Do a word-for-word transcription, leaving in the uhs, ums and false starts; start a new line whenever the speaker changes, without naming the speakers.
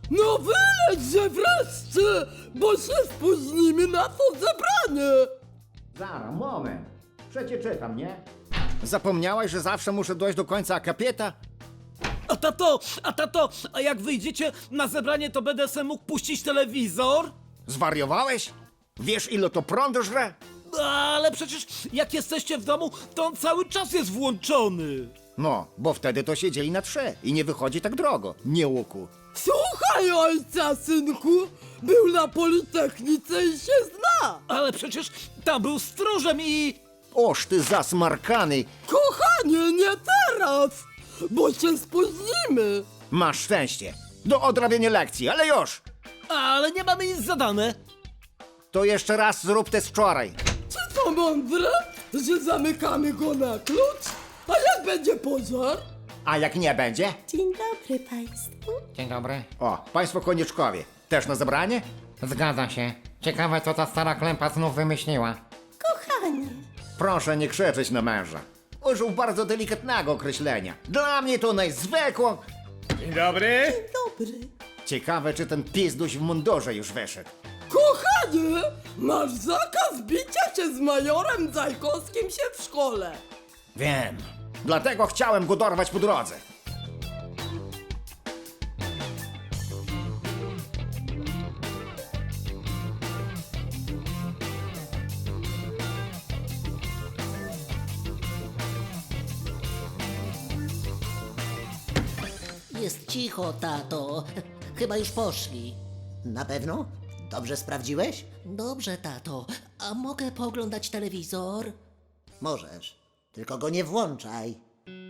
No wylećże wreszcie, bo się spóźnimy na to zebranie.
Zara, moment. Przecie czytam, nie? Zapomniałaś, że zawsze muszę dojść do końca akapieta?
A tato, a tato, a jak wyjdziecie na zebranie, to będę se mógł puścić telewizor?
Zwariowałeś? Wiesz, ile to prądu żre?
Ale przecież jak jesteście w domu, to on cały czas jest włączony.
No, bo wtedy to siedzieli na trze i nie wychodzi tak drogo. Nie łuku.
Słuchaj ojca, synku, był na Politechnice i się zna.
Ale przecież tam był stróżem i...
Oż ty zasmarkany.
Kochanie, nie teraz, bo się spóźnimy.
Masz szczęście. Do odrabiania lekcji, ale już.
Ale nie mamy nic zadane.
To jeszcze raz zrób te z wczoraj.
Czy to mądre, że zamykamy go na klucz? A jak będzie pożar?
A jak nie będzie?
Dzień dobry Państwu.
Dzień dobry.
O, państwo konieczkowie. Też na zebranie?
Zgadza się. Ciekawe, co ta stara klępa znów wymyśliła.
Kochanie.
Proszę nie krzyczeć na męża. Użył bardzo delikatnego określenia. Dla mnie to najzwykło.
Dzień dobry.
Dobry.
Ciekawe, czy ten pizduś w mundurze już wyszedł.
Kochanie, masz zakaz bicia się z majorem Zajkowskim się w szkole.
Wiem. Dlatego chciałem go dorwać po drodze.
Jest cicho, tato. Chyba już poszli.
Na pewno? Dobrze sprawdziłeś?
Dobrze, tato. A mogę pooglądać telewizor?
Możesz. Tylko go nie włączaj.